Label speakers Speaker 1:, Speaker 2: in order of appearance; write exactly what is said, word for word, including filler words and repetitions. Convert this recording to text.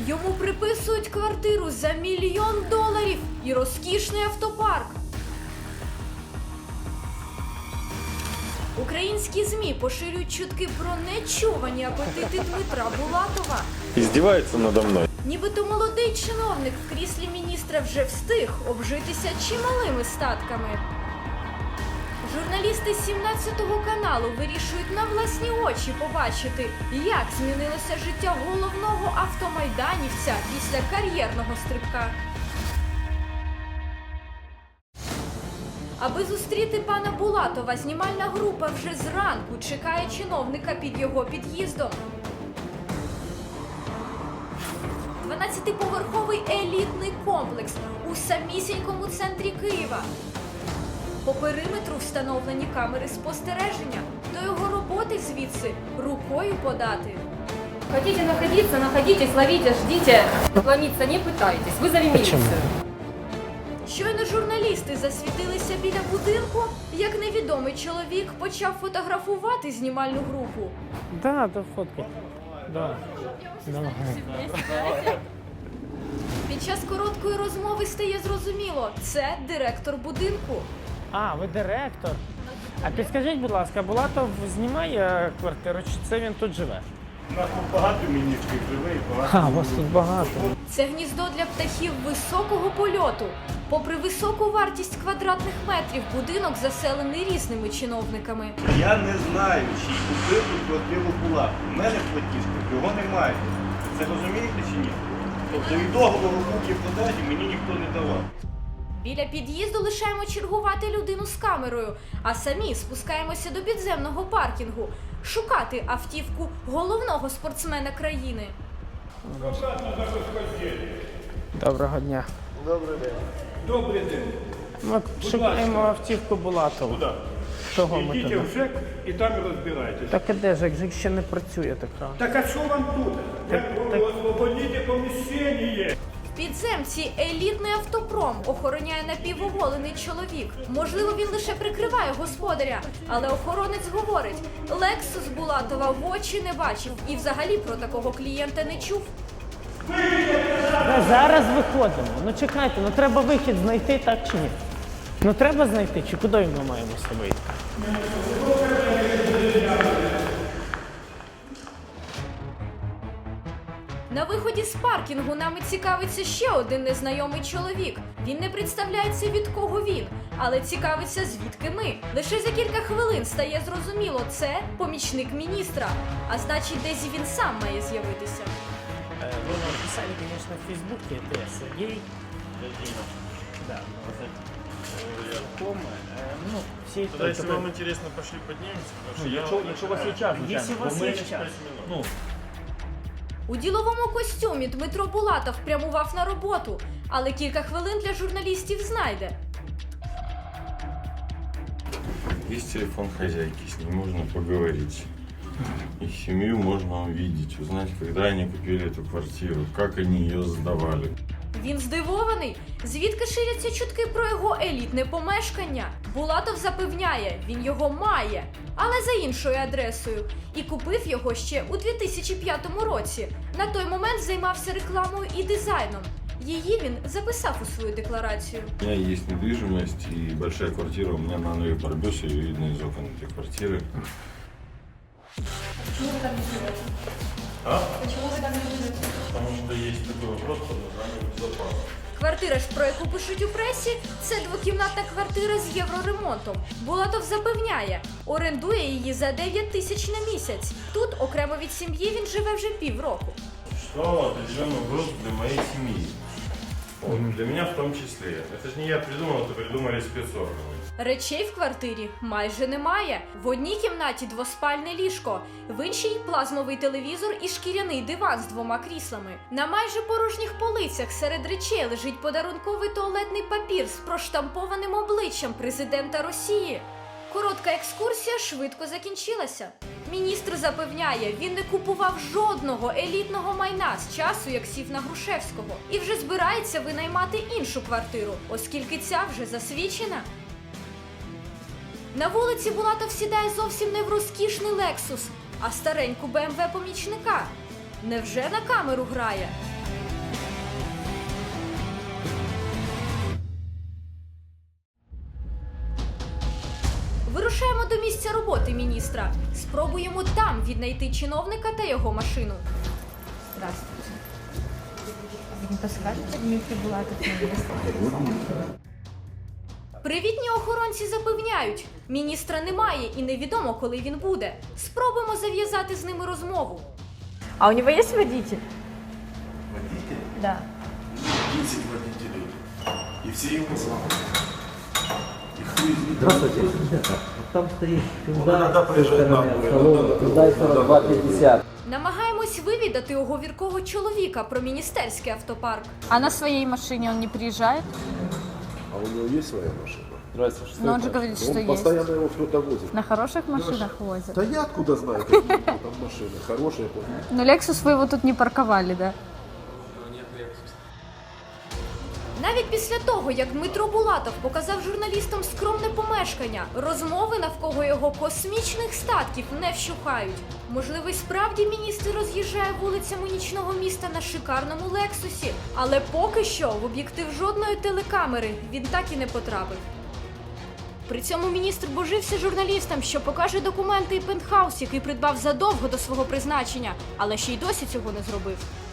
Speaker 1: Йому приписують квартиру за мільйон доларів і розкішний автопарк. Українські ЗМІ поширюють чутки про нечувані апетити Дмитра Булатова.
Speaker 2: Издевается надо мной.
Speaker 1: Нібито молодий чиновник в кріслі міністра вже встиг обжитися чималими статками. Журналісти сімнадцятого каналу вирішують на власні очі побачити, як змінилося життя головного автомайданівця після кар'єрного стрибка. Аби зустріти пана Булатова, знімальна група вже зранку чекає чиновника під його під'їздом. дванадцятиповерховий елітний комплекс у самісінькому центрі Києва. По периметру встановлені камери спостереження. До його роботи звідси рукою подати.
Speaker 3: Хотите находиться, находитесь, ловите, ждите. Ломиться не пытайтесь, вызови милицию.
Speaker 1: Щойно журналісти засвітилися біля будинку, як невідомий чоловік почав фотографувати знімальну групу.
Speaker 4: Да, да, фотка. Да. Давай.
Speaker 1: Під час короткої розмови стає зрозуміло – це директор будинку.
Speaker 4: А, ви директор. А підскажіть, будь ласка, Булатов знімає квартиру, чи це він тут живе?
Speaker 2: У нас тут багато міністрів живе і багато.
Speaker 4: А, у вас тут багато.
Speaker 1: Це гніздо для птахів високого польоту. Попри високу вартість квадратних метрів, будинок заселений різними чиновниками.
Speaker 2: Я не знаю, чи купив тут квартиру була. У мене в платіжках його немає. Це розумієте чи ні? Тобто і договору купівлі-продажі мені ніхто не давав.
Speaker 1: Біля під'їзду лишаємо чергувати людину з камерою, а самі спускаємося до підземного паркінгу шукати автівку головного спортсмена країни.
Speaker 4: Доброго дня.
Speaker 2: Добрий день.
Speaker 5: Добрий день.
Speaker 4: Ми шукаємо автівку Булатова.
Speaker 2: Куди?
Speaker 4: Того ми
Speaker 5: Йдіть
Speaker 4: туди.
Speaker 5: в ЖЕК і там і розбирайтесь.
Speaker 4: Так і де ЖЕК? ЖЕК ще не працює така.
Speaker 5: Так а що вам тут?
Speaker 4: Так, так.
Speaker 5: Освободіть поміщення.
Speaker 1: В підземці елітний автопром охороняє напівоголений чоловік. Можливо, він лише прикриває господаря, але охоронець говорить, Лексус Булатова в очі не бачив і взагалі про такого клієнта не чув.
Speaker 4: Да, зараз виходимо. Ну чекайте, ну треба вихід знайти, так чи ні? Ну треба знайти, чи куди ми маємо вийти?
Speaker 1: На виході з паркінгу нами цікавиться ще один незнайомий чоловік. Він не представляється, від кого він, але цікавиться, звідки ми. Лише за кілька хвилин стає зрозуміло, це помічник міністра. А значить, десь він сам має з'явитися.
Speaker 4: Вы нам писали, конечно, в Фейсбуке, это Сергей. Да, знакомый. Ну, все
Speaker 2: Тогда, если вам интересно, пошли поднимемся.
Speaker 6: Ну, якщо, якщо у вас є час, звичайно.
Speaker 4: Якщо у вас
Speaker 6: Бо ми-
Speaker 4: є час.
Speaker 6: Ну,
Speaker 1: У діловому костюмі Дмитро Булатов прямував на роботу, але кілька хвилин для журналістів знайде.
Speaker 7: Есть телефон хозяйки, с ней можно поговорить. Их семью можно увидеть, узнать, когда они купили эту квартиру, как они ее сдавали.
Speaker 1: Він здивований, звідки ширяться чутки про його елітне помешкання. Булатов запевняє, він його має, але за іншою адресою. І купив його ще у дві тисячі п'ятому році. На той момент займався рекламою і дизайном. Її він записав у свою декларацію.
Speaker 7: У меня есть недвижимость и большая квартира, у меня на Новой Барбёсе, ее видно из окон этой квартиры.
Speaker 2: А? Почему вы там не живете? Потому что есть такой вопрос под названием безопасность.
Speaker 1: Квартира ж, про яку пишуть у пресі, це двокімнатна квартира з євроремонтом. Булатов запевняє, орендує її за дев'ять тисяч на місяць. Тут, окремо від сім'ї, він живе вже півроку.
Speaker 7: Существовал определенный груз для моей семьи. Вот, для меня в том числе. Это же не я придумал, это придумали спецорганы.
Speaker 1: Речей в квартирі майже немає. В одній кімнаті двоспальне ліжко, в іншій плазмовий телевізор і шкіряний диван з двома кріслами. На майже порожніх полицях серед речей лежить подарунковий туалетний папір з проштампованим обличчям президента Росії. Коротка екскурсія швидко закінчилася. Міністр запевняє, він не купував жодного елітного майна з часу, як сів на Грушевського. І вже збирається винаймати іншу квартиру, оскільки ця вже засвідчена. На вулиці Булатов сідає зовсім не в розкішний Лексус, а стареньку Бе Ем Ве помічника. Невже на камеру грає? міністра. Спробуємо там віднайти чиновника та його машину.
Speaker 3: Здравствуйте. Вы не подскажете, где прибыла этот министр?
Speaker 1: Привітні охоронці запевняють, міністра немає і невідомо, коли він буде. Спробуємо зав'язати з ними розмову.
Speaker 3: А у него есть водитель?
Speaker 8: Водитель?
Speaker 3: Да.
Speaker 8: десять водителей. И все его знают. И хуй из них.
Speaker 9: Здравствуйте. Там стоит
Speaker 8: Ну, иногда приезжает на
Speaker 9: Hyundai сорок два пятьдесят.
Speaker 1: Намагаємось вивідати оговіркого чоловіка про міністерський автопарк.
Speaker 10: А на своей машине он не приезжает?
Speaker 8: А у него есть своя машина?
Speaker 9: Здравствуйте.
Speaker 10: Но он же говорит, что
Speaker 8: Он
Speaker 10: есть.
Speaker 8: постоянно его кто-то возит.
Speaker 10: На хороших машинах возят.
Speaker 8: Да я откуда знаю, какие там машины. Хорошие, плохие.
Speaker 10: Но Lexus вы его тут не парковали, да?
Speaker 1: Навіть після того, як Дмитро Булатов показав журналістам скромне помешкання, розмови навколо його космічних статків не вщухають. Можливо, й справді міністр роз'їжджає вулицями нічного міста на шикарному Лексусі, але поки що в об'єктив жодної телекамери він так і не потрапив. При цьому міністр божився журналістам, що покаже документи і пентхаус, який придбав задовго до свого призначення, але ще й досі цього не зробив.